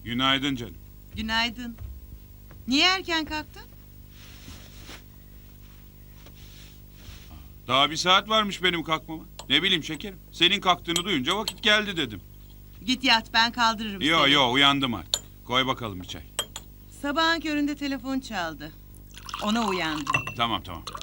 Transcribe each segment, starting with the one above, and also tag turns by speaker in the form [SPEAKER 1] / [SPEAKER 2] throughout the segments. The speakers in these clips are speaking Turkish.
[SPEAKER 1] Günaydın canım.
[SPEAKER 2] Günaydın. Niye erken kalktın?
[SPEAKER 1] Daha bir saat varmış benim kalkmama. Ne bileyim şekerim. Senin kalktığını duyunca vakit geldi dedim.
[SPEAKER 2] Git yat, ben kaldırırım
[SPEAKER 1] Yo
[SPEAKER 2] seni.
[SPEAKER 1] yo uyandım artık. Koy bakalım bir çay.
[SPEAKER 2] Sabahın köründe telefon çaldı. Ona uyandım.
[SPEAKER 1] Tamam.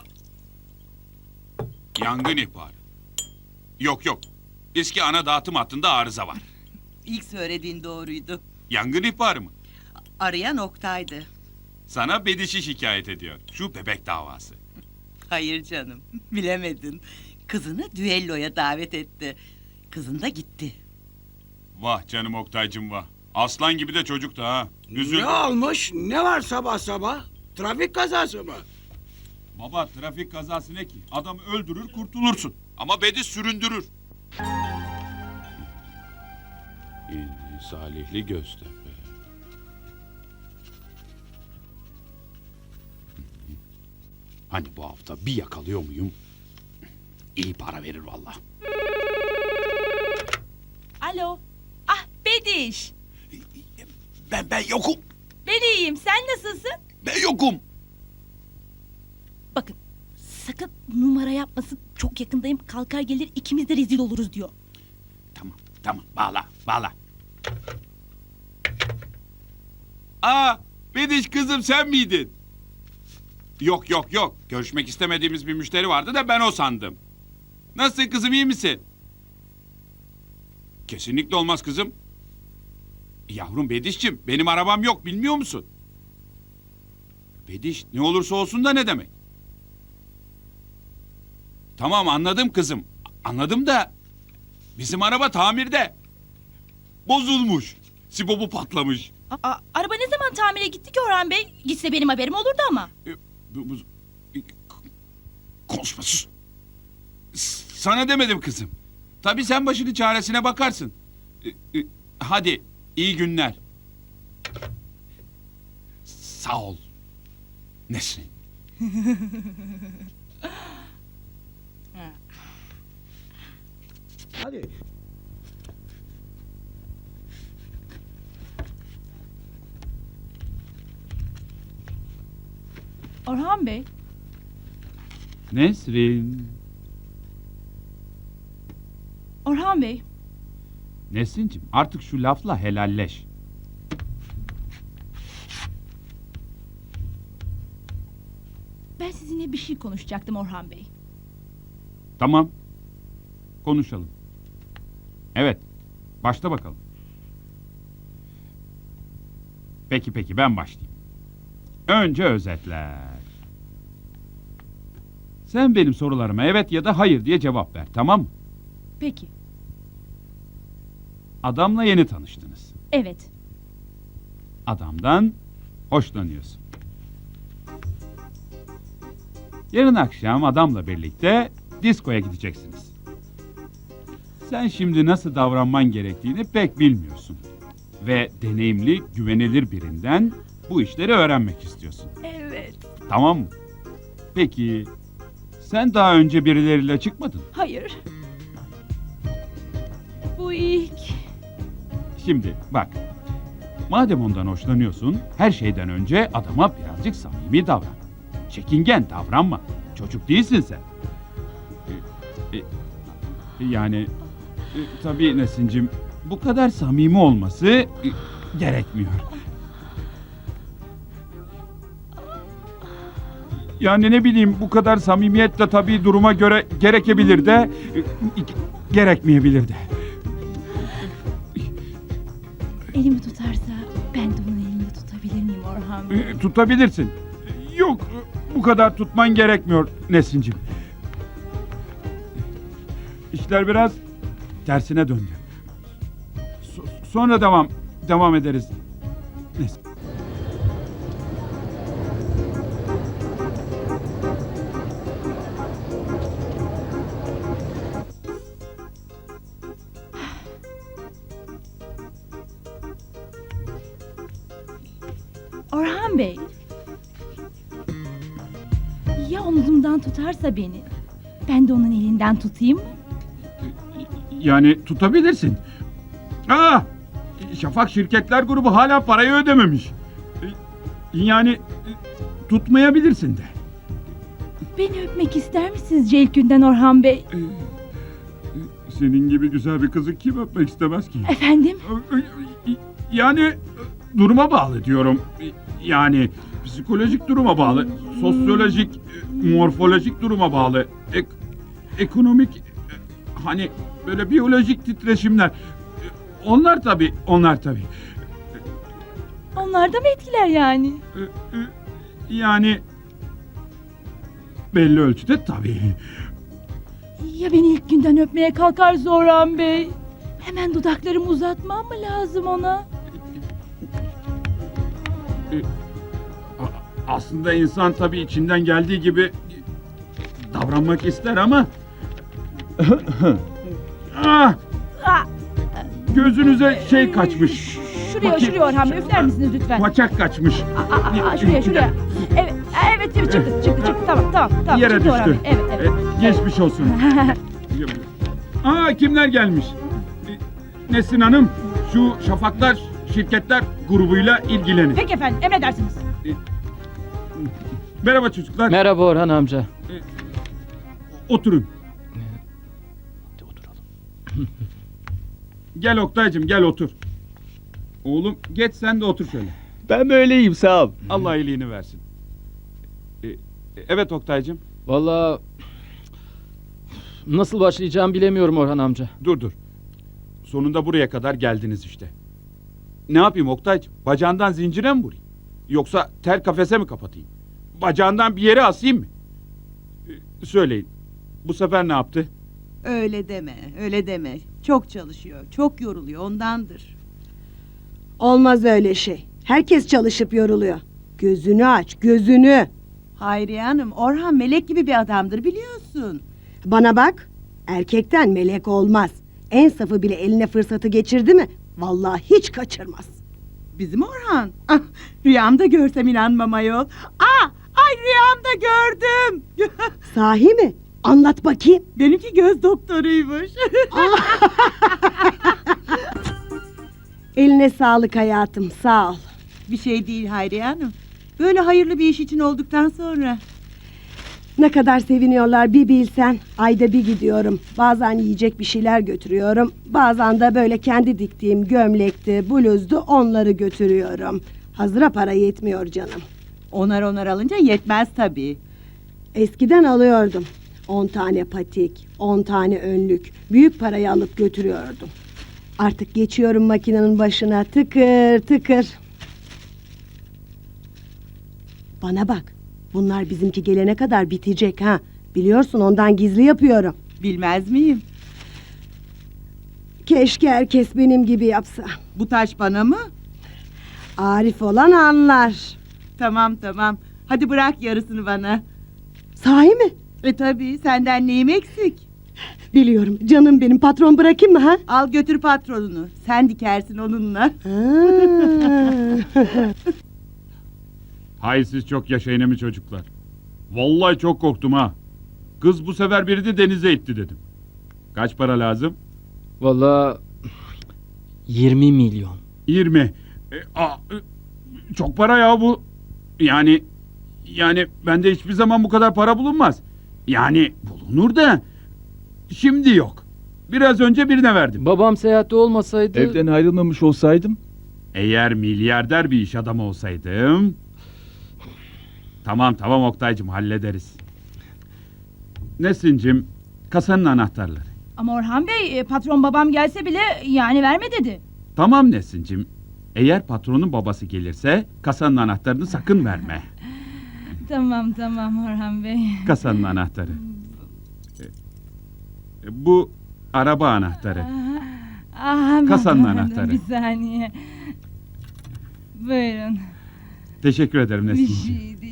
[SPEAKER 1] Yangın ihbarı. Yok. Eski ana dağıtım hattında arıza var.
[SPEAKER 2] İlk söylediğin doğruydu.
[SPEAKER 1] Yangın ihbarı mı?
[SPEAKER 2] Arayan Oktay'dı.
[SPEAKER 1] Sana Bediş'i şikayet ediyor. Şu bebek davası.
[SPEAKER 2] Hayır canım, bilemedin. Kızını düelloya davet etti. Kızın da gitti.
[SPEAKER 1] Vah canım Oktay'cım vah. Aslan gibi de çocuk da ha. Üzüldüm.
[SPEAKER 3] Ne olmuş? Ne var sabah sabah? Trafik kazası mı?
[SPEAKER 1] Baba trafik kazası ne ki? Adam öldürür kurtulursun. Ama Bediş süründürür. Salihli Göztepe. Hani bu hafta bir yakalıyor muyum? İyi para verir vallahi.
[SPEAKER 4] Alo. Ah Bediş.
[SPEAKER 1] Ben yokum.
[SPEAKER 4] Ben iyiyim. Sen nasılsın?
[SPEAKER 1] Ben yokum.
[SPEAKER 4] Bakın sakın numara yapmasın. Çok yakındayım. Kalkar gelir ikimiz de rezil oluruz diyor.
[SPEAKER 1] Tamam. Bağla. Aa, Bediş kızım sen miydin? Yok. Görüşmek istemediğimiz bir müşteri vardı da ben o sandım. Nasılsın kızım, iyi misin? Kesinlikle olmaz kızım. Yavrum Bediş'cim, benim arabam yok, bilmiyor musun? Bediş, ne olursa olsun da ne demek? Tamam anladım kızım. Anladım da bizim araba tamirde. Bozulmuş. Sibobu patlamış.
[SPEAKER 4] Araba ne zaman tamire gitti ki Orhan Bey? Gitse benim haberim olurdu ama.
[SPEAKER 1] Konuşma sus. Sana demedim kızım. Tabii sen başının çaresine bakarsın. Hadi iyi günler. Sağ ol. Nesrin.
[SPEAKER 3] Hadi.
[SPEAKER 4] Orhan Bey.
[SPEAKER 1] Nesrin.
[SPEAKER 4] Orhan Bey.
[SPEAKER 1] Nesrin'cim artık şu lafla helalleş.
[SPEAKER 4] Ben sizinle bir şey konuşacaktım Orhan Bey.
[SPEAKER 1] Tamam. Konuşalım. Evet. Başla bakalım. Peki ben başlayayım. Önce özetler. Sen benim sorularıma evet ya da hayır diye cevap ver, tamam mı?
[SPEAKER 4] Peki.
[SPEAKER 1] Adamla yeni tanıştınız.
[SPEAKER 4] Evet.
[SPEAKER 1] Adamdan hoşlanıyorsun. Yarın akşam adamla birlikte diskoya gideceksiniz. Sen şimdi nasıl davranman gerektiğini pek bilmiyorsun. Ve deneyimli, güvenilir birinden bu işleri öğrenmek istiyorsun.
[SPEAKER 4] Evet.
[SPEAKER 1] Tamam mı? Peki, sen daha önce birileriyle çıkmadın.
[SPEAKER 4] Hayır. Bu ilk.
[SPEAKER 1] Şimdi bak, madem ondan hoşlanıyorsun, her şeyden önce adama birazcık samimi davran. Çekingen davranma. Çocuk değilsin sen. Tabii Nesin'cim, bu kadar samimi olması gerekmiyor. Yani ne bileyim, bu kadar samimiyetle tabii duruma göre gerekebilir de gerekmeyebilir de.
[SPEAKER 4] Elimi tutarsa ben de onun elini tutabilir miyim Orhan Bey?
[SPEAKER 1] Tutabilirsin. Yok, bu kadar tutman gerekmiyor Nesin'cim. İşler biraz tersine döndü. Sonra devam ederiz. Nesin.
[SPEAKER 4] Orhan Bey. Ya omzumdan tutarsa beni? Ben de onun elinden tutayım mı?
[SPEAKER 1] Yani tutabilirsin. Şafak Şirketler Grubu hala parayı ödememiş. Yani tutmayabilirsin de.
[SPEAKER 4] Beni öpmek ister misiniz Ceylkün'den Orhan Bey?
[SPEAKER 1] Senin gibi güzel bir kızı kim öpmek istemez ki?
[SPEAKER 4] Efendim?
[SPEAKER 1] Yani duruma bağlı diyorum. Yani psikolojik duruma bağlı, sosyolojik, morfolojik duruma bağlı, ekonomik, hani böyle biyolojik titreşimler. Onlar tabii.
[SPEAKER 4] Onlar da mı etkiler yani?
[SPEAKER 1] Yani belli ölçüde tabii.
[SPEAKER 4] Ya beni ilk günden öpmeye kalkarsa Orhan Bey? Hemen dudaklarımı uzatmam mı lazım ona?
[SPEAKER 1] Aslında insan tabii içinden geldiği gibi davranmak ister ama
[SPEAKER 4] Ah!
[SPEAKER 1] Gözünüze şey kaçmış.
[SPEAKER 4] Şuraya Orhan Bey üfler misiniz lütfen?
[SPEAKER 1] Paçak kaçmış.
[SPEAKER 4] Şuraya. Evet çıktı. Tamam.
[SPEAKER 1] Yere
[SPEAKER 4] Çıktı Orhan
[SPEAKER 1] düştü.
[SPEAKER 4] Bey, Evet.
[SPEAKER 1] Geçmiş olsun. Kimler gelmiş? Nesin Hanım şu Şafaklar Şirketler grubuyla ilgilenin.
[SPEAKER 4] Peki efendim emredersiniz.
[SPEAKER 1] Merhaba çocuklar.
[SPEAKER 5] Merhaba Orhan amca.
[SPEAKER 1] Oturun.
[SPEAKER 5] Hadi oturalım.
[SPEAKER 1] Gel Oktay'cığım gel otur. Oğlum geç sen de otur şöyle.
[SPEAKER 6] Ben böyleyim sağ ol.
[SPEAKER 1] Allah iyiliğini versin. Evet Oktay'cığım.
[SPEAKER 5] Vallahi nasıl başlayacağım bilemiyorum Orhan amca.
[SPEAKER 1] Dur. Sonunda buraya kadar geldiniz işte. Ne yapayım Oktay'cığım? Bacağından zincire mi vurayım? Yoksa ter kafese mi kapatayım? Bacağından bir yere asayım mı? Söyleyin. Bu sefer ne yaptı?
[SPEAKER 2] Öyle deme. Çok çalışıyor, çok yoruluyor ondandır.
[SPEAKER 7] Olmaz öyle şey. Herkes çalışıp yoruluyor. Gözünü aç, gözünü.
[SPEAKER 2] Hayriye Hanım, Orhan melek gibi bir adamdır biliyorsun.
[SPEAKER 7] Bana bak, erkekten melek olmaz. En safı bile eline fırsatı geçirdi mi? Vallahi hiç kaçırmaz.
[SPEAKER 2] Bizim Orhan. Ah, rüyamda görsem inanmam ayol. Ay rüyamda gördüm.
[SPEAKER 7] Sahi mi? Anlat bakayım.
[SPEAKER 2] Benimki göz doktoruymuş.
[SPEAKER 7] Eline sağlık hayatım, sağ ol.
[SPEAKER 2] Bir şey değil Hayriye Hanım. Böyle hayırlı bir iş için olduktan sonra.
[SPEAKER 7] Ne kadar seviniyorlar bir bilsen. Ayda bir gidiyorum. Bazen yiyecek bir şeyler götürüyorum. Bazen de böyle kendi diktiğim gömlekti, bluzdu onları götürüyorum. Hazıra para yetmiyor canım.
[SPEAKER 2] Onar alınca yetmez tabii.
[SPEAKER 7] Eskiden alıyordum. 10 tane patik, 10 tane önlük. Büyük parayı alıp götürüyordum. Artık geçiyorum makinenin başına tıkır tıkır. Bana bak. Bunlar bizimki gelene kadar bitecek ha. Biliyorsun ondan gizli yapıyorum.
[SPEAKER 2] Bilmez miyim?
[SPEAKER 7] Keşke herkes benim gibi yapsa.
[SPEAKER 2] Bu taş bana mı?
[SPEAKER 7] Arif olan anlar.
[SPEAKER 2] Tamam. Hadi bırak yarısını bana.
[SPEAKER 7] Sahi mi?
[SPEAKER 2] Tabii senden neyim eksik?
[SPEAKER 7] Biliyorum. Canım benim, patron bırakayım mı ha?
[SPEAKER 2] Al götür patronunu. Sen dikersin onunla.
[SPEAKER 7] Ha.
[SPEAKER 1] Hay siz çok yaşayın emi çocuklar. Vallahi çok korktum ha. Kız bu sefer biri de denize itti dedim. Kaç para lazım?
[SPEAKER 5] Vallahi 20 milyon.
[SPEAKER 1] 20. Çok para ya bu. Yani bende hiçbir zaman bu kadar para bulunmaz. Yani bulunur da şimdi yok. Biraz önce birine verdim.
[SPEAKER 5] Babam seyahatte olmasaydı...
[SPEAKER 6] Evden ayrılmamış olsaydım.
[SPEAKER 1] Eğer milyarder bir iş adamı olsaydım... Tamam Oktay'cığım hallederiz. Nesin'cim kasanın anahtarları.
[SPEAKER 4] Ama Orhan Bey patron babam gelse bile yani verme dedi.
[SPEAKER 1] Tamam Nesin'cim. Eğer patronun babası gelirse kasanın anahtarını sakın verme.
[SPEAKER 4] Tamam Orhan Bey.
[SPEAKER 1] Kasanın anahtarı. Bu araba anahtarı. Kasanın anahtarı.
[SPEAKER 4] Bir saniye. Buyurun.
[SPEAKER 1] Teşekkür ederim
[SPEAKER 4] Bir
[SPEAKER 1] Nesin'cim.
[SPEAKER 4] şey